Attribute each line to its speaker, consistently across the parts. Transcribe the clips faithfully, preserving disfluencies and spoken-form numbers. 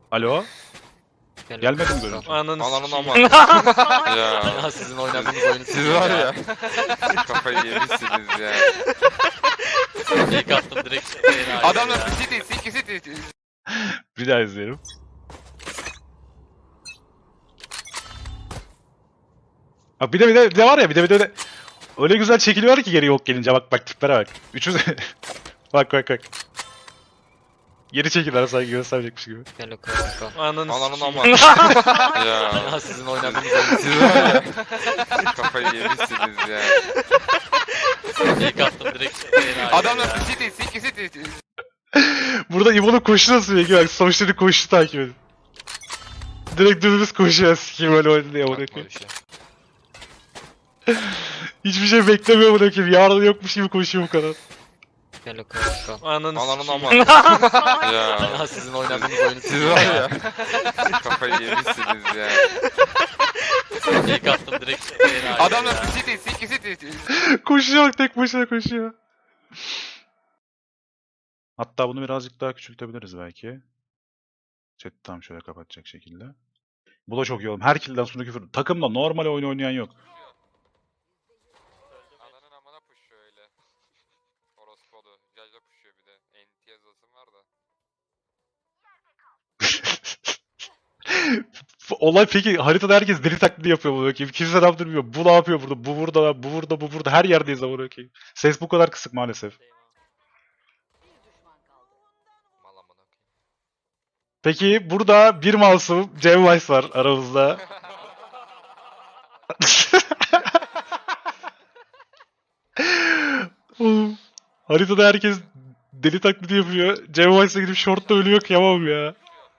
Speaker 1: Alo? Gelmedim görüntü.
Speaker 2: Ananı
Speaker 3: Ananın
Speaker 2: sikeyim.
Speaker 3: ama. Ya.
Speaker 2: Ya sizin oynadığınız oyunu
Speaker 3: Siz var ya. Kafayı yemişsiniz ya.
Speaker 2: İlk attım direkt.
Speaker 3: Adamlar City, City, City.
Speaker 1: Bir daha izleyelim. Bak bir de bir de, bir de var ya bir de bir de öyle, öyle güzel çekiliyor ki geri yok gelince bak bak tiplere bak. Üçüz bak bak bak. Geri çekildiler sanki gösterecekmiş gibi.
Speaker 2: Gel o kanka. Ananı
Speaker 3: Ananın
Speaker 2: sikeyim.
Speaker 3: ama. Ya.
Speaker 2: Ya sizin oynadığınız oyunu
Speaker 3: Siz var ya. Kafayı yemişsiniz ya.
Speaker 2: İlk attım direkt.
Speaker 3: Adamlar City, City, City.
Speaker 1: Burada İbo'nun koşu nasıl peki bak sonuçta koşu takip edin. Direkt dümdüz koşuyor sikeyim öyle oynadı diye amına koyayım. Hiçbir şey beklemiyor amına koyayım. Yarın yokmuş gibi koşuyor bu kadar.
Speaker 2: Gel o kanka. Ananı
Speaker 3: Ananın
Speaker 2: sikeyim.
Speaker 3: ama. Ya.
Speaker 2: Ya sizin oynadığınız oyunu
Speaker 3: Siz var ya. Kafayı yemişsiniz ya.
Speaker 2: İlk attım direkt.
Speaker 3: Adamlar City, City, City.
Speaker 1: Koşuyor bak tek başına koşuyor. Hatta bunu birazcık daha küçültebiliriz belki. Chat'i tam şöyle kapatacak şekilde. Bu da çok iyi oğlum. Her kill'den sonra küfür. Takımda normal oyun oynayan yok.
Speaker 3: Ananın amına puşuyor öyle. Orospodu. Jajla puşuyor bir de. N T yazısım var da.
Speaker 1: Olay peki haritada herkes deli taklidi yapıyor bunu bakayım. Kimse ne yaptırmıyor. Bu ne yapıyor burada? Bu burada, bu burada, bu burada. Her yerdeyiz ama bakayım. Ses bu kadar kısık maalesef.
Speaker 3: Mal amına koyayım.
Speaker 1: Peki burada bir masum Cem Weiss var aramızda. Oğlum, haritada herkes deli taklidi yapıyor. Cem Weiss'e gidip short'ta ölüyor kıyamam ya.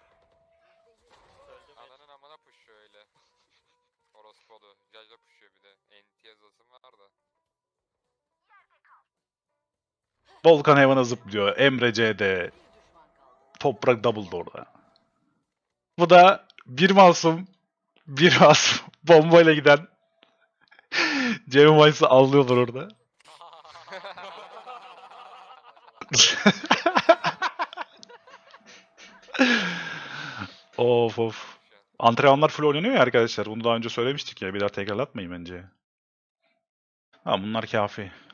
Speaker 3: Ananın amına puşuyor öyle. Orospodu. Jajla puşuyor bir de. N T yazısım var da.
Speaker 1: Volkan hayvana zıplıyor. Emre C'de. Toprak double orada. Bu da bir masum, bir masum bombayla giden Cem Weiss'ı avlıyorlar orada. Of of. Antrenmanlar full oynanıyor ya arkadaşlar. Bunu daha önce söylemiştik ya. Bir daha tekrarlatmayın bence. Ha bunlar kafi.